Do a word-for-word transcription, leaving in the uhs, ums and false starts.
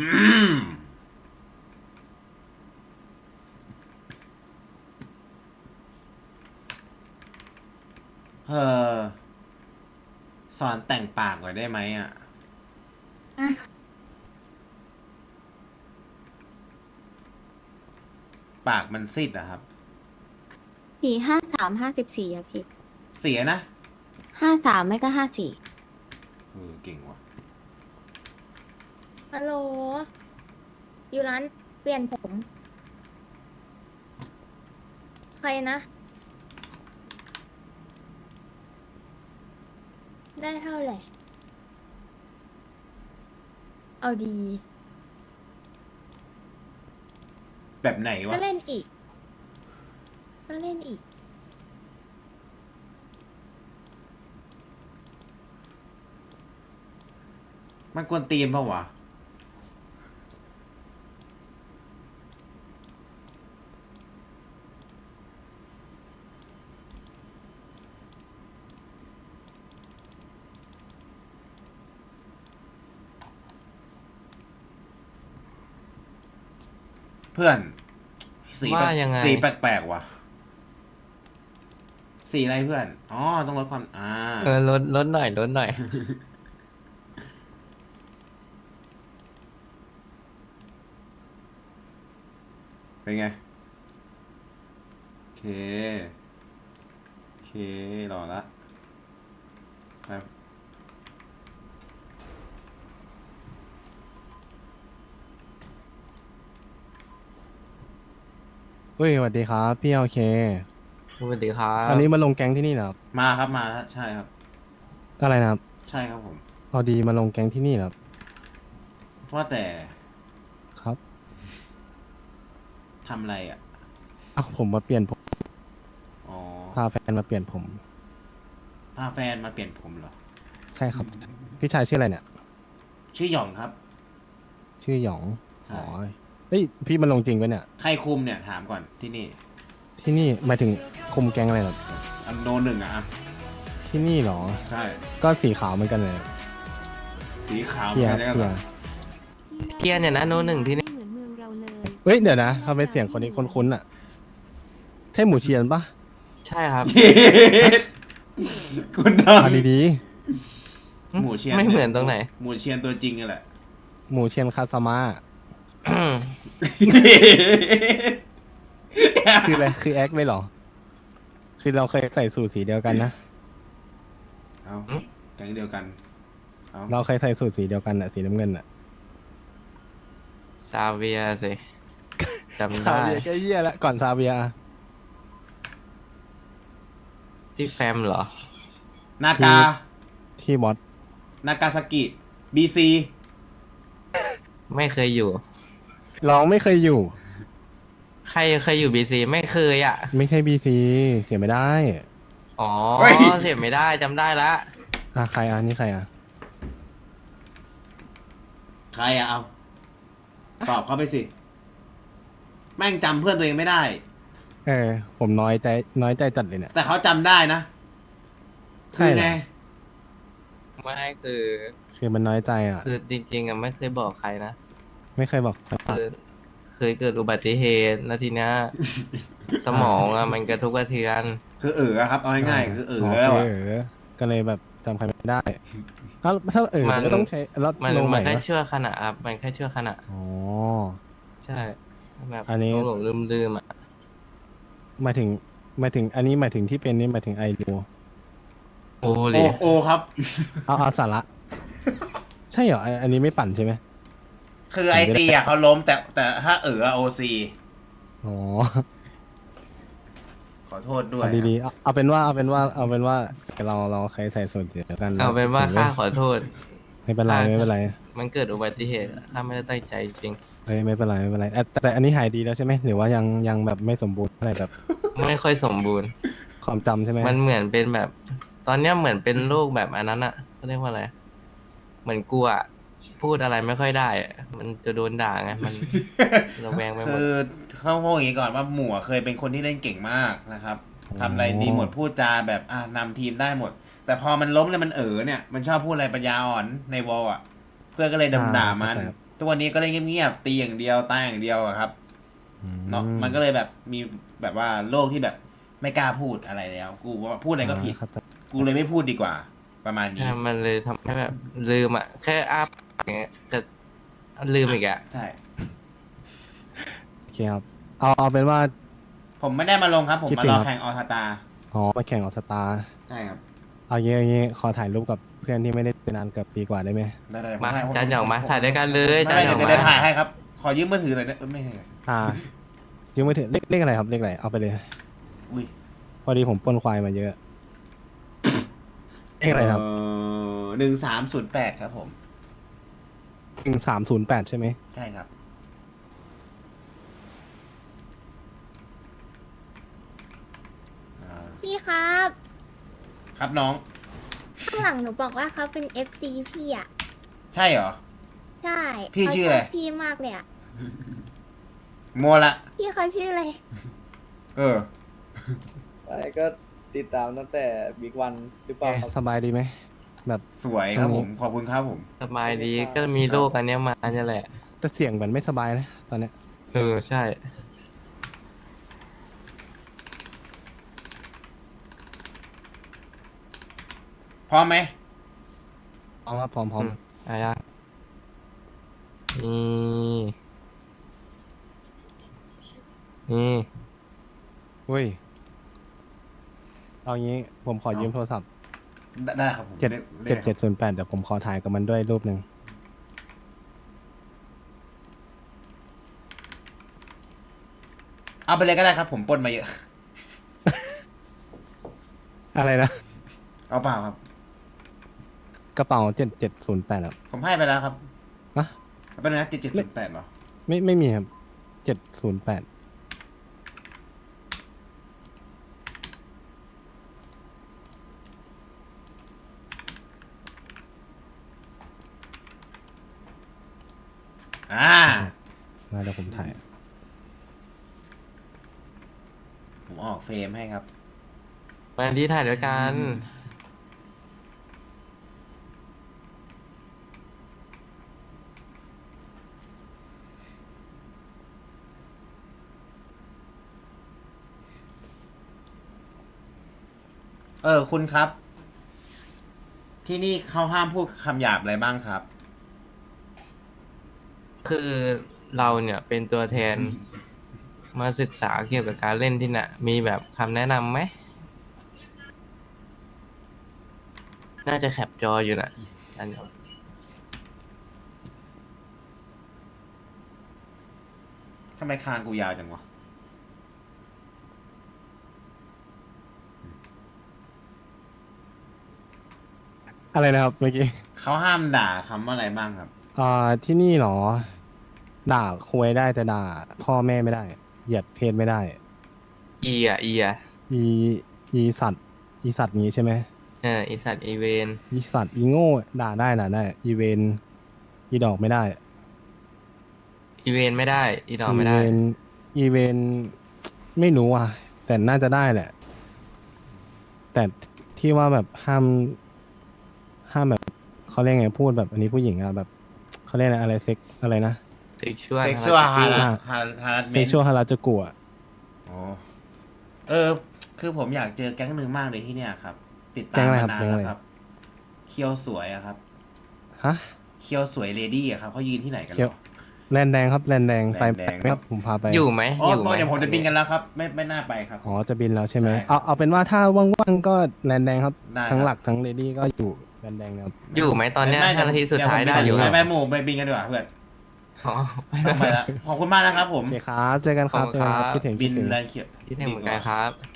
มเออสอนแต่งปากหน่อยได้ไหมอ่ะอ่ะปากมันซีดอะครับสี่ห้าสามห้าสิบสี่อะพี่เสียนะห้าสามไม่ก็ห้าสี่เออเก่งว่ะฮัลโหลอยู่ร้านเปลี่ยนผม ใครนะ ได้เท่าไหร่ เอาดีแบบไหนวะก็เล่นอีก ก็เล่นอีกมันกวนตีนเปล่าวะเพื่อนสีแปลว่าก ยังไงสีแปลกๆว่ะสีอะไรเพื่อนอ๋อต้องลดความอ่าเออลดลดหน่อยลดหน่อยเป็นไงโอเคโอเครอละครับเฮ้ยสวัสดีครับพี่โอเคสวัสดีครัอันบนี้มาลงแก๊งที่นี่เหรอครับมาครับมาใช่ครับอะไรนะครับใช่ครับผมพอดีมาลงแก๊งที่นี่เหรอครับว่าแต่ครับทำอะไรอ่ะอ้าวผมมาเปลี่ยนผมอ๋อพาแฟนมาเปลี่ยนผมพาแฟนมาเปลี่ยนผมเหรอใช่ครับ พี่ชายชื่ออะไรเนี่ยชื่อหยองครับชื่อหยองใช่อ๋อเอ้ยพี่มาลงจริงปะเนี่ยใครคุมเนี่ยถามก่อนที่นี่ที่นี่หมายถึงคุมแก๊งอะไรเหรออันโนหนึ่งอะอะที่นี่เหรอใช่ก็สีขาวเหมือนกันเลยสีขาวเพียใช่ไหมเพียเกียร์เนี่ยนะโนหนึ่งที่นี่เหมือนเมืองเราเลยเฮ้ยเดี๋ยวนะทำไมเสียงคนนี้คุ้นๆอ่ะใช่หมูเชียนปะใช่ครับเย็ดคุณดังเอาดีหมูเชียนไม่เหมือนตรงไหนหมูเชียนตัวจริงนี่แหละๆหมูเชียนคาสมาคืออะไรคือแอคเลยเหรอ คือเราเคยใส่สูทสีเดียวกันนะเอาอืมแก๊งเดียวกันเอาเราเคยใส่สูทสีเดียวกันอะสีน้ำเงินอะซาเวียสิจำซาได้เวียก็เยี่ยแล้วก่อนซาเวียอะที่แฟมเหรอนากาที่บอสนากาซากิบีซีไม่เคยอยู่ร้องไม่เคยอยู่ใครเคยอยู่บีซีไม่เคยอ่ะไม่ใช่บีซีเสียไม่ได้อ๋อเสียไม่ได้จำได้ละอ่ะใครอ่ะนี่ใครอ่ะใครอะเอา ตอบเขาไปสิ แม่งจำเพื่อนตัวเองไม่ได้เออ ผมน้อยใจน้อยใจจัดเลยเนี่ยแต่เขาจำได้นะใช่คือเหรอไงไม่คือคือมันน้อยใจอ่ะคือจริงๆอ่ะไม่เคยบอกใครนะไม่เคยบอกคือเคยเกิดอุบัติเหตุแล้วทีเนี้ย สมองอ่ะมันกระทบกระเทือนคือเอออะครับ เอาง่ายๆคือเออโอแล้วเคอะเออก็เลยแบบจำใครไม่ได้เอ้าถ้าเออมันก็ต้องใช้แล้วมันลงใหมัม่นแค่ปะชั่วขณะครับมันแค่ชั่วขณะอ๋อใช่แบบอันนี้หลงลืมลืมๆอ่ะหมายถึงหมายถึงอันนี้หมายถึงที่เป็นนี่หมายถึงไอดูโอ้โอเลยโอครับเอาเอาสาระ ใช่เหรอไอ้อันนี้ไม่ปั่นใช่ไหมคือไอตีอะเขาล้มแต่แต่ถ้าเออโอซีอ๋อขอโทษด้วยเอาดีๆเอาเอาเป็นว่าเอาเป็นว่าเอาเป็นว่าเราเราใครใส่ส่วนเดียวกันเอาเป็นว่าข้าขอโทษไม่เป็นไรไม่เป็นไรมันเกิดอุบัติเหตุอะข้าไม่ได้ตั้งใจจริงเฮ้ยไม่เป็นไรไม่เป็นไรแต่แต่อันนี้หายดีแล้วใช่ไหมหรือว่ายังยังแบบไม่สมบูรณ์อะไรแบบไม่ค่อยสมบูรณ์ความจำใช่ไหมมันเหมือนเป็นแบบ ตอนเนี้ยเหมือนเป็นโรคแบบอันนั้นอ่ะเขาเรียกว่าอะไรเหมือนกลัวอะพูดอะไรไม่ค่อยได้อะมันจะโดนด่าไงมันระแวงไปหมคืดอเขาพูดอย่างนี้ก่อนว่าหมู่อะเคยเป็นคนที่เล่นเก่งมากนะครับทำอะไรดีหมดพูดจาแบบอ่ะนำทีมได้หมด แต่พอมันล้มแล้วมันเออเนี่ย มันชอบพูดอะไรปัญญาอ่อนในวอลอ่ะ เพื่อนก็เลยดำด่ามันอ่เข้ใจครับทุกวันนี้ก็เลยเงียบๆตีอย่างเดียวตายอย่างเดียวอะครับเนาะมันก็เลยแบบมีแบบว่าโลกที่แบบไม่กล้าพูดอะไรแล้ว กูว่าพูดอะไรก็ผิดครับกูเลยไม่พูดดีกว่า ประมาณนี้ใช่มันเลยทำให้แบบลืมอ่ะ แค่อ้าปากอย่างเงี้ยจะลืมอีกอ่ะใช่โอเคครับเอาเอาเป็นว่าผมไม่ได้มาลงครับ ผมคิดมาถึงรอครับแข่งออสตาอ๋อมาแข่งออสตาใช่ครับเอางี้เอางี้ขอถ่ายรูปกับเพื่อนที่ไม่ได้เป็นนานเกือบปีกว่าได้ไหมได้ได้ผมาให้จานหยองมาถ่ายด้วยกันเลยไม่จานไม่หยองเดี๋ยวมาเดี๋ยวถ่ายให้ครับ ขอยืมมือถือหน่อยนะเอ้ยไม่ใช่อ่ายังไม่ถึงเลขเลขอะไรครับเลขอะไรเอาไปเลยอุ้ยพอดีผมปล้นควายมาเยอะ เลขอะไรครับหนึ่งสามศูนย์แปดครับผมหนึ่งสามศูนย์แปดใช่ไหมใช่ครับอ่าพี่ครับครับน้องข้างหลังหนูบอกว่าเขาเป็น เอฟ ซี พี่อ่ะใช่เหรอใช่พี่เขาชื่อชอะไรอบพี่มากเลยอ่ะโมละพี่เขาชื่ออะไรเออไอ้ก็ติดตามตั้งแต่บิ๊กวันหรือเปล่าครับสบายดีไหมแบบสวยครับผม ขอบคุณครับผมสบายดีก็มีโรคอันเนี้ยมาเนี่ยแหละจะเสียงเหมือนไม่สบายนะตอนเนี้ยเออใช่พร้อมไหมพร้อมครับพร้อมพร้อมอืมอะไรอ่ะนี่นี่เฮ้ยเอางี้ผมขอยืมโทรศัพท์ได้ได้ครับผมเจ็ดได้เจ็ดได้เจ็ดศูนย์แปดเดี๋ยวผมขอถ่ายกับมันด้วยรูปหนึ่งเอาไปเลยก็ได้ครับ ผมปล้นมาเยอะอะไรนะเอาเปล่าครับกระเป๋าเจ็ดเจ็ดศูนย์แปดครับผมให้ไปแล้วครับอะเอาเป็นนะเจ็ดเจ็ดศูนย์แปดเหรอไม่ไม่มีครับเจ็ดศูนย์แปดอ่ามาเดี๋ยวผมถ่ายผมออกเฟรมให้ครับวันที่ถ่ายด้วยกันเออ คุณครับ ที่นี่เขาห้ามพูดคำหยาบอะไรบ้างครับคือเราเนี่ยเป็นตัวแทน มาศึกษาเกี่ยวกับการเล่นที่น่ะ มีแบบคำแนะนำไหม น่าจะแคปจออยู่น่ะอันนี้ทำไมคางกูยาวจังวะอะไรนะครับเมื่อกี้เขาห้ามด่าคำว่าอะไรบ้างครับอ่าที่นี่เหรอ ด่าคุยได้แต่ด่า พ่อแม่ไม่ได้ เหยียดเพศไม่ได้อีอ่ะอีอ่ะอีอีสัตว์ อีสัตว์นี้ใช่ไหมเอออีสัตว์อีเวนอีสัตว์อีโง่ด่าได้ด่าได้ อีเวนอีดอกไม่ได้อีเวนไม่ได้ อีดอกไม่ได้อีเวนอีเวนไม่รู้อ่ะ แต่น่าจะได้แหละ แต่ที่ว่าแบบห้าม ห้ามแบบเขาเรียกไงพูดแบบอันนี้ผู้หญิงอะแบบเขาเรียกอะไรอะไรเซ็กอะไรนะเซ็กชวลเซ็กชวลฮาอ่าร์ฮาร์ฮาร์เมเซ็กนชวลฮาราจูกุอะโอ้เออ คือผมอยากเจอแก๊งหนึ่งมากเลยที่เนี่ยครับ ติดตาแก๊มงอะไรมาครับนานแก๊งแล้อะไรวครับ เคียวสวยอะครับฮะเคียวสวยเลดี้อะครับเขายืนที่ไหนกันเคีหยรวอแลนแดงครับแลนแดงไปแลนแดงไปครับผมพาไปอยู่ไหมอ๋ออยู่ไหมเดี๋ยวผมจะบินกันแล้วครับ ไม่ไม่น่าไปครับอ๋อจะบินแล้วใช่ไหมใช่เอาเอาเป็นว่าถ้าว่างๆก็แลนแดงครับได้ทั้งครับหลักทั้งเลดี้ก็อยู่แลนแดงนะครับอยู่ไหมตอนเนี้ยไม่ห้านาทีสุดท้ายได้อยู่ไปอะไปหมู่ไปบินกันดีกว่าเพื่อนอ๋อต้องไปแล้วขอบคุณมากนะครับผมโอเคครับเจอกันครับขอบเจคุอณกันครับครับคิดถึงบิคินดถึงแลนด์เขียวที่หนึ่งเหมือนกันครับ